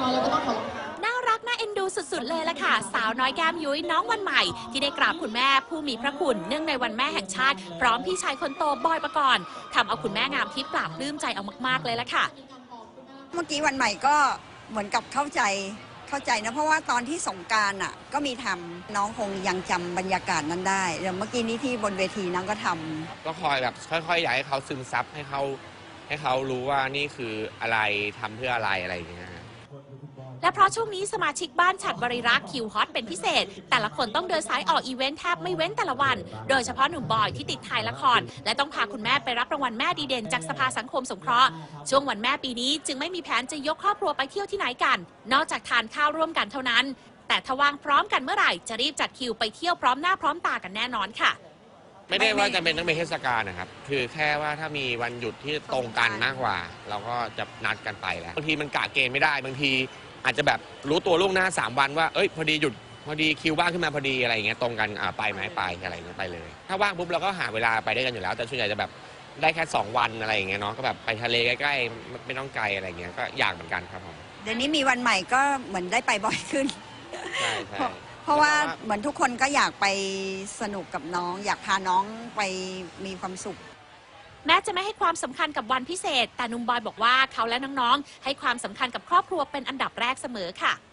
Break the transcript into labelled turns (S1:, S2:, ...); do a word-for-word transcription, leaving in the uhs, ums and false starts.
S1: แล้วก็ต้องขอ
S2: น่ารักน่าเอ็นดูสุดๆเลยล่ะค่ะสาวน้อยแก้มยุ้ยน้องวันใหม่ที่ได้กราบคุณแม่ผู้มีพระคุณเนื่องในวันแม่แห่งชาติพร้อมพี่ชายคนโตบอยปกรณ์ทำเอาคุณแม่งามทิพย์ปราบปลื้มใจเอามากๆเลยล่ะค่ะ
S3: เมื่อกี้วันใหม่ก็เหมือนกับเข้าใจเข้าใจนะเพราะว่าตอนที่สงกรานต์อ่ะก็มีทำน้องคงยังจำบรรยากาศนั้นได้เดี๋ยวเมื่อกี้นี้ที่บนเวทีน้องก็ทำ
S4: ก็คอยแบบค่อยๆอยากให้เขาซึมซับให้เขาให้เขารู้ว่านี่คืออะไรทำเพื่ออะไรอะไรอย่างเงี้ย
S2: และเพราะช่วงนี้สมาชิกบ้านฉัดบริรักษ์คิวฮอตเป็นพิเศษแต่ละคนต้องเดินสายออกอีเวนต์แทบไม่เว้นแต่ละวันโดยเฉพาะหนุ่มบอยที่ติดถ่ายละครและต้องพาคุณแม่ไปรับรางวัลแม่ดีเด่นจากสภาสังคมสงเคราะห์ช่วงวันแม่ปีนี้จึงไม่มีแผนจะยกครอบครัวไปเที่ยวที่ไหนกันนอกจากทานข้าวร่วมกันเท่านั้นแต่ถ้าว่างพร้อมกันเมื่อไหร่จะรีบจัดคิวไปเที่ยวพร้อมหน้าพร้อมตากันแน่นอนค่ะ
S4: ไม่ได้ว่าจะเป็นต้องเป็นเทศกาลนะครับคือแค่ว่าถ้ามีวันหยุดที่ตรงกันมากกว่าเราก็จะนัดกันไปแล้วบางทีมันกะเกณฑ์ไม่ได้บางทีอาจจะแบบรู้ตัวล่วงหน้าสามวันว่าเอ้ยพอดีหยุดพอดีคิวว่างขึ้นมาพอดีอะไรอย่างเงี้ยตรงกันอ่าไปไหมไปอะไรอย่างเงี้ยไปเลยถ้าว่างปุ๊บเราก็หาเวลาไปได้กันอยู่แล้วแต่ส่วนใหญ่จะแบบได้แค่สองวันอะไรอย่างเงี้ยเนาะก็แบบไปทะเลใกล้ๆไม่ต้องไกลอะไรอย่างเงี้ยก็อยากเหมือนกันครับผม
S3: เดี๋ยวนี้มีวันใหม่ก็เหมือนได้ไปบ่อยขึ้น
S4: ใช่ใช่
S3: เพราะว่าเหมือนทุกคนก็อยากไปสนุกกับน้องอยากพาน้องไปมีความสุข
S2: แม้จะไม่ให้ความสำคัญกับวันพิเศษแต่หนุ่มบอยบอกว่าเขาและน้องๆให้ความสำคัญกับครอบครัวเป็นอันดับแรกเสมอค่ะ